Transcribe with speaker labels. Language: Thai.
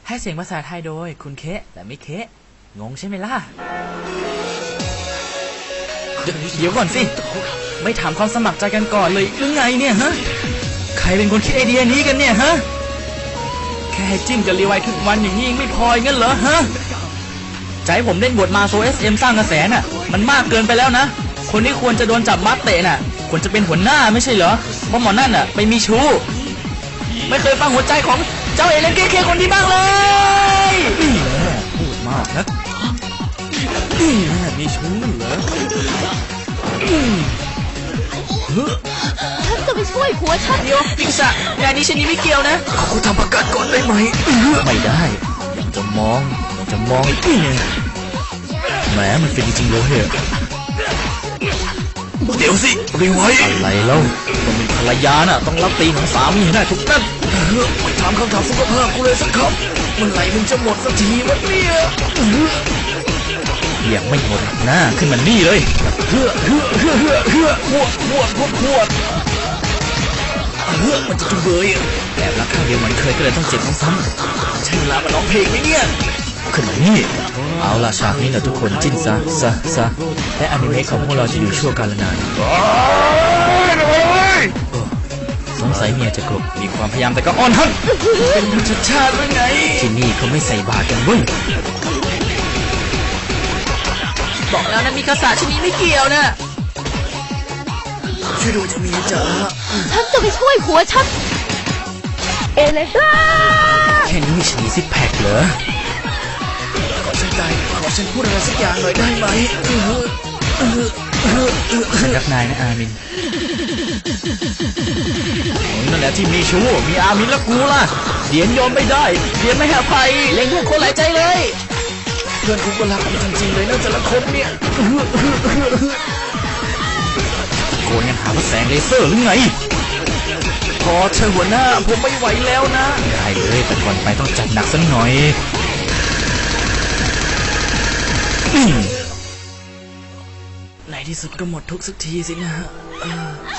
Speaker 1: ให้เสียงภาษาไทยโดยคุณเคะแต่ไม่เคะงงใช่ไหมล่ะเดี๋ยวก่อนสิไม่ถามความสมัครใจกันก่อนเลยหรือไงเนี่ยฮะใครเป็นคนคิดไอเดียนี้กันเนี่ยฮะแค่ให้จิ้มกับรีไวทุกวันอย่างนี้ยังไม่พองั้นเหรอฮะใจผมเล่นบทมาโซ SM สร้างกระแสน่ะมันมากเกินไปแล้วนะคนที่ควรจะโดนจับมัดเตะน่ะควรจะเป็นหัวหน้าไม่ใช่เหรอเพราะหมอนั่นน่ะไปมีชู้ไม่เคยฟังหัวใจของเจ้าเอเลนเคคนที่บ้างเลยนี่แหละพูดมากนะนี่แหละมีชู้เหรอ
Speaker 2: ฉันจะไปช่วยผัวฉัน
Speaker 1: เดี๋ยวพิกษะงานนี้ฉันนี่ไม่เกี่ยวนะขอคุณทำประกันก่อนได้ไหมไม่ได้ยังจะมองแหมมันเป็นจริงๆเลยเดี๋ยวสิรีไว้อะไรเล่าคนเป็นภรรยาน่ะต้องรับตีของสามีให้ได้ทุกนัดไม่ถามคำถามสุขภาพกูเลยสักคำเมื่อไหร่มึงจะหมดสักทีวะเนี่ยยังไม่หมดหน้าขึ้นมานี่เลยพวดมันจะจุเบยแบบรักครั้งเดียวมันเคยก็เลยต้องเจ็บซ้ำๆใช่เวลามาร้องเพลงไหมเนี่ยขึ้นมานี่เอาล่ะฉากนี้นะทุกคนจิ้นซะและอนิเมะของพวกเราจะอยู่ชั่วกาลนานสงสัยเมียจะกลบมีความพยายามแต่ก็อ่อนหันเป็นธรรมชาติหรือไงที่นี่เขาไม่ใส่บาตรกันเว้ยบอกแล้วนะมีคาสาชนิดไม่เกี่ยวนะช่วยดูจะมีจ๋า
Speaker 2: ฉันจะไปช่วยผัวฉันเอเลน
Speaker 1: แค่นี้มีฉีซิกแพคเหรอขอฉันใจขอฉันพูดอะไรสักอย่างหน่อยได้ไหมฉันรักนายนะอามินนั่นแหละที่มีชู้มีอามินแล้วกูล่ะเดียนยอมไม่ได้เดียนไม่ให้อภัยเล็งทุกคนหลายใจเลยเพื่อนกูก็รักมันจริงๆเลยนะแต่ละคนเนี่ยโกนยังหาว่าแสงเลเซอร์หรือไงพอเธอหัวหน้าผมไม่ไหวแล้วนะได้เลยแต่ก่อนไปต้องจัดหนักสักหน่อยในที่สุดก็หมดทุกสักทีสินะ